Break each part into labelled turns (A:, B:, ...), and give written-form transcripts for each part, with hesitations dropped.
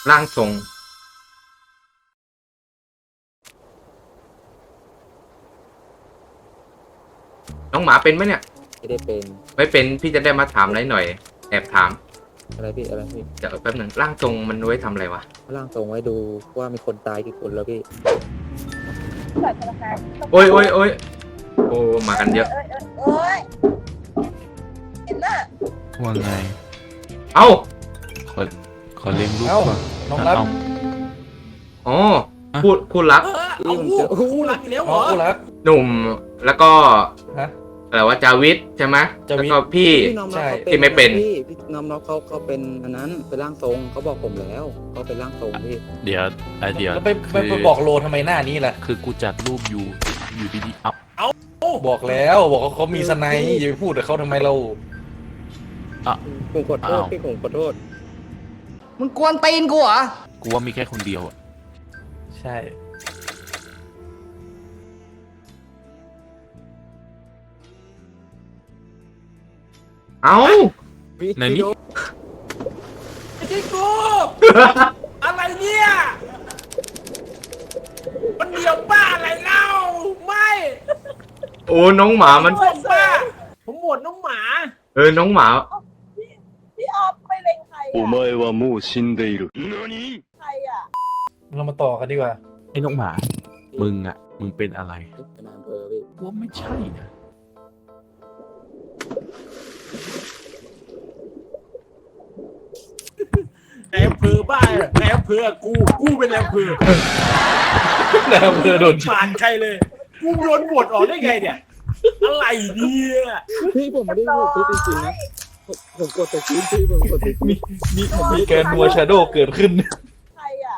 A: ร่างทรงน้องหมาเป็นไหมเนี่ย
B: ไม่ได้เป็น
A: ไม่เป็นพี่จะได้มาถามอะไรหน่อยแอบถาม
B: อะไรพี่อะไรพี่
A: เดี๋ยวแป๊บหนึ่งร่างทรงมันไว้ทำอะไรวะ
B: ร่างทรงไว้ดูว่ามีคนตายกี่คนแล้วพี่
A: โอ้ยโอ้ยโอ้ยโอ้มากันเยอะ
C: เห็นน่ะ
D: ว่าไง
A: เอ้า
D: ขอขอเลี้ยงลูกก่อน
E: น้องรัก
A: อ๋อคู่รัก
B: พี่มันเจอ
E: คู่รักอยู่แล้วเหรอคู่รัก
A: หนุ่มแล้วก็
E: ฮะ
A: อะไรว่าจาวิทใช่ไหม
E: จาวิท
A: แล้วก็พี่
B: พี่น้อง
E: ใช่
B: เขา
A: ที่ไม่เป็น
B: พี่น้องเขาเป็นอันนั้นเป็นร่างทรงเขาบอกผมแล้วเขาเป็นร่างทรงพี่
D: เดี๋ยวเดี๋ยว
E: แล้วไปบอกโลทำไมหน้านี้ล่ะ
D: คือกูจัดรูปอยู่ดีๆเอา
E: บอกแล้วบอกว่าเขามีสไนด์อย่าไปพูดกับเขาทำไมเรา
B: ผมขอโทษพี่ผมขอโทษ
C: มึงกวนตีนกูเหรอ
D: กูว่ามีแค่คนเดียวอะ
E: ใช่
A: เอ้า
B: พี่
D: ในนี้
E: ไอ้ที่กูอะไรเนี่ยมันเดียวบ้าอะไรเล่าไม่
A: โอ้น้องหมามัน
E: ผมบ้าผมหมดน้องหมา
A: น้องหมา
C: พี่ออฟไม่เล็งใคร
F: お前はもう死んでいる。何
C: ใครอ่ะ
E: เรามาต่อกันดีกว่า
D: ไอ้น้องหมามึงเป็นอะไร
B: เป็นนายอำเภอพี่
D: ว่าไม่ใช่นะ
E: นายอำเภอบ้านายอำเภอกูเป็นนายอำเภอน
A: ายอำเภอโดน
E: ผ่านใครเลยกูโดนบวชออกได้ไงเนี่ยอะไรเนี่ย
B: พี่ผมไม่ได้พูดพี่จริงๆนะผมกดแต่พื้นพี่ผมกดแต่พื้น
E: มีแกนนัวชาโดว์เกิดขึ้น
C: ใครอ่ะ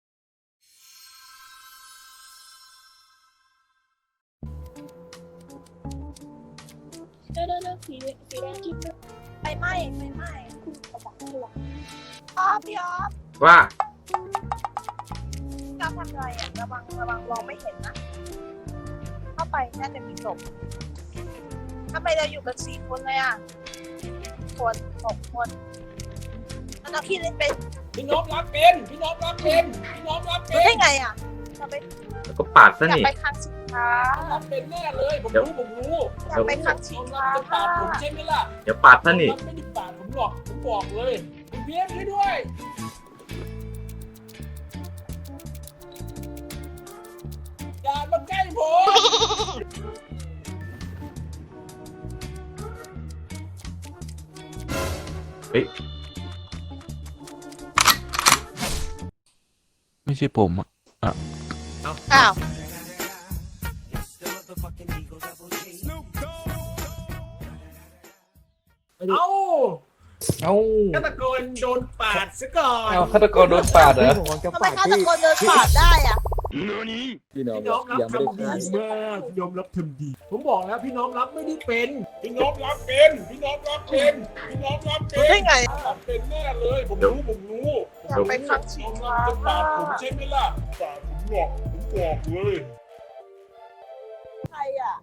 C: เดี๋ยวสีแดงที่ไฟไหม้คุณประจักษ์ตัวพี่ออฟ
A: ว่า
C: ทำอะไรอ่ะระวังมองไม่เห็นนะเข้าไปน่าจะมีศพทำไมเราอยู่กัน4 คนเลยอ่ะ6 คนแล้วเราพี่เล่นเป็น
E: พี่น้องรับเป็นพี่น้องรับเป็นพี่น้องรับ
C: รู้
E: เป็น
C: ได้ไงอ่ะเราไป
A: แล้วก็ปาดซะ
C: อยาก
A: นี่
C: ไปครั้งสุดท้าย
E: รับเป็นแน่เลยผมรู้
C: อยากไปครั้งสุ
E: น้อ
C: ด
E: งรั
C: ท้า
E: บ
C: ย
E: จะปาดผมใช่ไหมล่ะ
A: เดี๋ยวปาดซะนี่
E: น้องรับไม่ได้ปาดผมหรอกผมบอกเลยคุณเพี้ยนช่วยด้วยอย่ามาใกล้ผม
A: เฮ้ย
D: ไม่ใช่ผมอะ
C: อ้าว
E: เอ้า เอ้า
G: ฆาตกรโดนปาดซะก่อน
E: เอาฆาตกรโดนปาดเหรอ
B: ผมจะ
C: ทำไม
B: ปาด
C: ฆาต
B: พี่
C: กรเดินผ่านได้อ่ะ
F: 何
B: พี่น้อง
G: พี่น้องรับ
B: ยังไม่ได้
G: ทำดี
B: ฆ่าม
G: ากยอมรับทำดี ผมบอกแล้วพี่น้องรับไม่ได้เป็นพี่น้องรับเป็นพี่น้องรับเป็นพี่น้องรับเป็
C: รู้
G: น
C: ได้ไง
G: รับเป็นแน่เลยผมรู้
C: อยากไปครั้งสุ
G: น้อง
C: ด
G: รับ
C: ท้าย
G: จะปาดผมใช่ไหมล่ะปาดผมหรอกผมบอกเลย
C: ใครอ่ะ